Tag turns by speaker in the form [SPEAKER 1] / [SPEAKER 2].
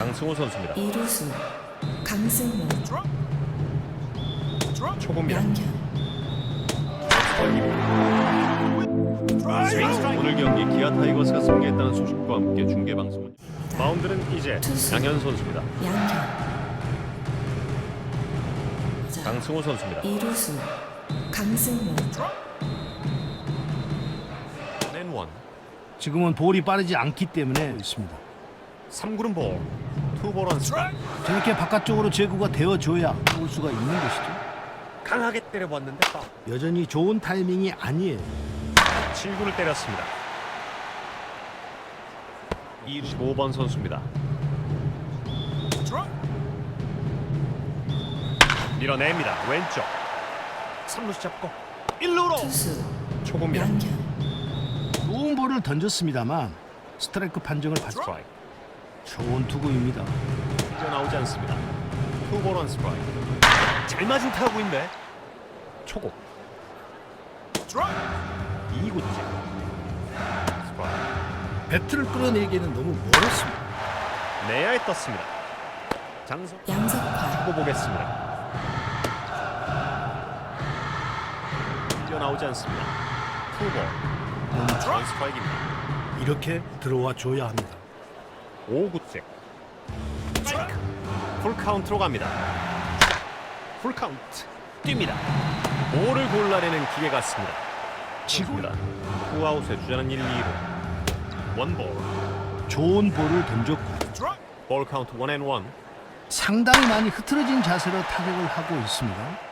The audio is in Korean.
[SPEAKER 1] 강승호 선수입니다.
[SPEAKER 2] 이루수 강승호
[SPEAKER 1] 초구입니다.
[SPEAKER 2] 양현
[SPEAKER 1] 오늘 경기 기아 타이거스가 승리했다는 소식과 함께 중계 방송은 마운드는 이제
[SPEAKER 2] 투수.
[SPEAKER 1] 양현 선수입니다.
[SPEAKER 2] 양현 자,
[SPEAKER 1] 강승호 선수입니다.
[SPEAKER 2] 이루수 강승호
[SPEAKER 1] 원
[SPEAKER 3] 지금은 볼이 빠르지 않기 때문에 있습니다.
[SPEAKER 1] 3구는 볼, 투볼 원 스트라이크.
[SPEAKER 3] 저렇게 바깥쪽으로 제구가 되어줘야 볼 수가 있는 것이죠.
[SPEAKER 1] 강하게 때려봤는데
[SPEAKER 3] 여전히 좋은 타이밍이 아니에요.
[SPEAKER 1] 7구를 때렸습니다. 25번 선수입니다. 밀어냅니다. 왼쪽 3루수 잡고 1루로
[SPEAKER 2] 투수
[SPEAKER 1] 초구입니다.
[SPEAKER 2] 양현
[SPEAKER 3] 좋은 볼을 던졌습니다만 스트라이크 판정을 받죠.
[SPEAKER 1] 스트라이크
[SPEAKER 3] 좋은 투구입니다.
[SPEAKER 1] 이제 나오지 않습니다. 투볼 원 스트라이크. 잘 맞은 타구인데 초구 2구째 스트라이크.
[SPEAKER 3] 배트를 끌어내기에는 너무 멀었습니다.
[SPEAKER 1] 내야에 떴습니다. 장성
[SPEAKER 2] 양석환
[SPEAKER 1] 초구 보겠습니다. 이제 나오지 않습니다. 투볼 원 스트라이크입니다.
[SPEAKER 3] 이렇게 들어와 줘야 합니다.
[SPEAKER 1] 5구째 풀 카운트로 갑니다. 풀 카운트 뜁니다. 볼을 골라내는 기계 같습니다. 치고입니다. 후아웃에 주자는 1, 2루 원볼
[SPEAKER 3] 좋은 볼을 던졌고
[SPEAKER 1] 볼 카운트 1&1.
[SPEAKER 3] 상당히 많이 흐트러진 자세로 타격을 하고 있습니다.